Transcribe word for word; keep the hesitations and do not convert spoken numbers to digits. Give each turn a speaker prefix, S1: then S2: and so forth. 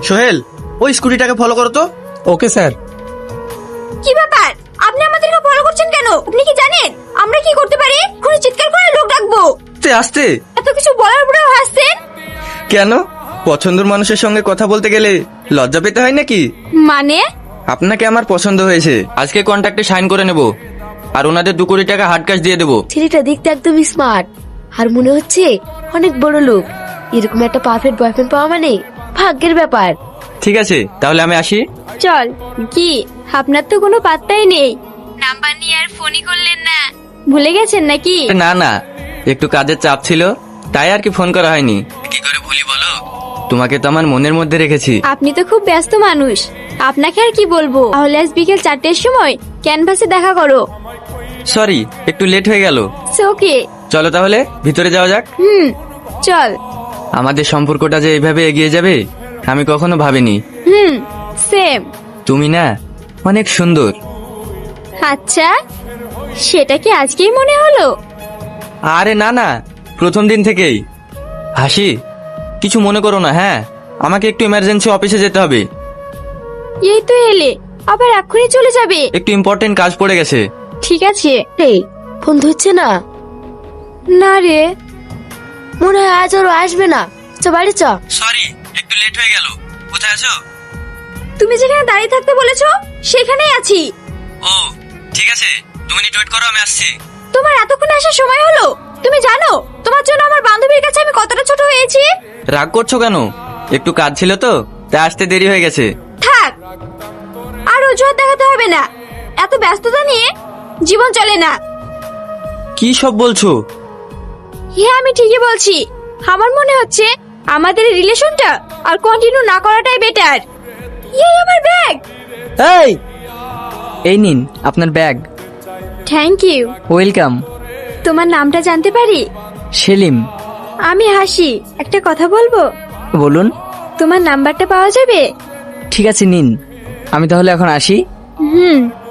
S1: সোহেল, ওই স্কুটিটাকে ফলো করো তো।
S2: Okay sir.
S3: কি ব্যাপার, আপনি আমাদেরকে ফলো করছেন কেন? আপনি কি জানেন আমরা কি করতে পারি? কোনো চিৎকার করে লোক ডাকবো।
S1: আস্তে আস্তে।
S3: এত কিছু বলার পরেও হাসছেন
S1: কেন? পছন্দের মানুষের সঙ্গে কথা বলতে গেলে লজ্জা পেতে হয় নাকি?
S3: মানে?
S1: আপনাকে আমার পছন্দ হয়েছে, আজকে কন্ট্রাক্টে সাইন করে নেব আর ওনাদের দু কোটি টাকা হার্ড ক্যাশ দিয়ে দেবো।
S4: ছেলেটা দেখতে একদম স্মার্ট আর মনে হচ্ছে অনেক বড় লোক। এরকম একটা পারফেক্ট বয়ফ্রেন্ড পাওয়া মানে ভাগ্যের ব্যাপার।
S1: ঠিক আছে, তাহলে আমি আসি।
S3: চল। কি আপনার তো কোনো পাত্তাই নেই, নাম্বার নিয়ে আর ফোনই করলেন না, ভুলে গেছেন নাকি?
S1: না না, একটু কাজের চাপ ছিল, তাই আর কি ফোন করা হয়নি। কি করে ভুলি বলো, তোমাকে তো আমার মনের মধ্যে রেখেছি।
S3: আপনি তো খুব ব্যস্ত মানুষ, আপনাকে আর কি বলবো। তাহলে আজ বিকেল চারটের সময় ক্যানভাসে দেখা করো।
S1: সরি, একটু লেট হয়ে গেল।
S3: ওকে,
S1: চলো তাহলে ভিতরে যাওয়া যাক।
S3: হুম চল।
S1: আমাদের সম্পর্কটা যে এইভাবে এগিয়ে যাবে আমি কখনো ভাবিনি।
S3: Hmm same.
S1: তুমি না অনেক সুন্দর।
S3: আচ্ছা, সেটা কি আজকেই মনে হলো?
S1: আরে না না, প্রথম দিন থেকেই। হাসি, কিছু মনে করো না। হ্যাঁ, আমাকে একটু ইমার্জেন্সি অফিসে যেতে হবে।
S3: এই তো এলে, আবার এক্ষুনি চলে যাবে?
S1: একটু ইম্পর্টেন্ট কাজ পড়ে গেছে।
S3: ঠিক আছে।
S4: এই ফোন ধরছে না।
S3: না রে,
S4: মনে হয় আজ ওর আসবে না। চ বাড়ি চ।
S1: সরি, একটু লেট হয়ে গেল। কোথায় আছো?
S3: তুমি যেখানে দাঁড়িয়ে থাকতে বলেছো সেখানেই আছি।
S1: ও ঠিক আছে, দু মিনিট ওয়েট করো, আমি আসছি।
S3: তোমার এতক্ষণ আসার সময় হলো? তুমি জানো তোমার জন্য আমার বান্ধবীর কাছে আমি কতটা ছোট হয়েছি?
S1: রাগ করছো কেন? একটু কাজ ছিল তো, তাই আসতে দেরি হয়ে গেছে।
S3: থাক, আর অজুহাত দেখাতে হবে না। এত ব্যস্ততা নিয়ে জীবন চলে না।
S1: কি সব বলছো?
S3: হ্যাঁ আমি ঠিকই বলছি। আমার মনে হচ্ছে আমাদের রিলেশনটা আর কন্টিনিউ না করাটাই বেটার। এই আমার ব্যাগ।
S2: এই এই নিন আপনার ব্যাগ।
S3: Thank you.
S2: ওয়েলকাম।
S3: তোমার নামটা জানতে পারি?
S2: সেলিম।
S3: আমি হাসি, একটা কথা বলবো?
S2: বলুন।
S3: তোমার নাম্বারটা পাওয়া যাবে?
S2: ঠিক আছে নিন, আমি তাহলে এখন আসি।
S3: হুম।